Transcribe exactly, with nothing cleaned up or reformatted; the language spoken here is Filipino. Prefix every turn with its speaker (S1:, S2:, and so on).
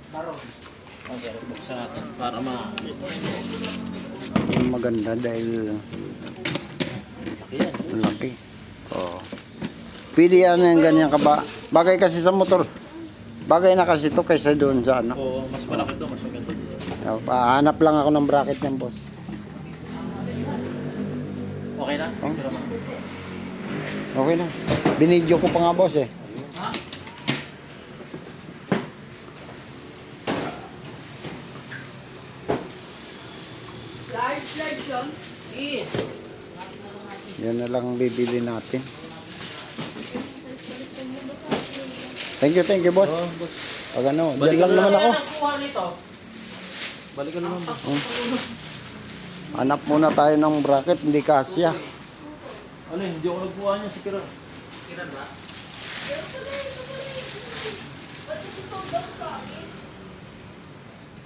S1: Okay, buksan natin para ma...
S2: Maganda dahil
S1: Ayan.
S2: laki. Oh. Pwede yan yung ganyan ka ba? Bagay kasi sa motor. Bagay na kasi ito kaysa doon sa ano.
S1: Oo, mas malaki to, mas maganda.
S2: Uh, hanap lang ako ng bracket ng boss.
S1: Okay na?
S2: Oh.
S1: Pero ma-
S2: Okay na. Binidyo ko pa nga boss eh.
S3: Large, large yun. Eh.
S2: Yan na lang bibili natin. Thank you, thank you boss.
S1: Oh, boss.
S2: Pag ano, dyan lang naman ako.
S1: Balikan naman boss.
S2: Hanap muna tayo ng bracket, hindi kasya.
S1: Ano eh, hindi ako nagkuha niya si Kiran. Kiran ba?
S3: Ba't ito daw sa akin?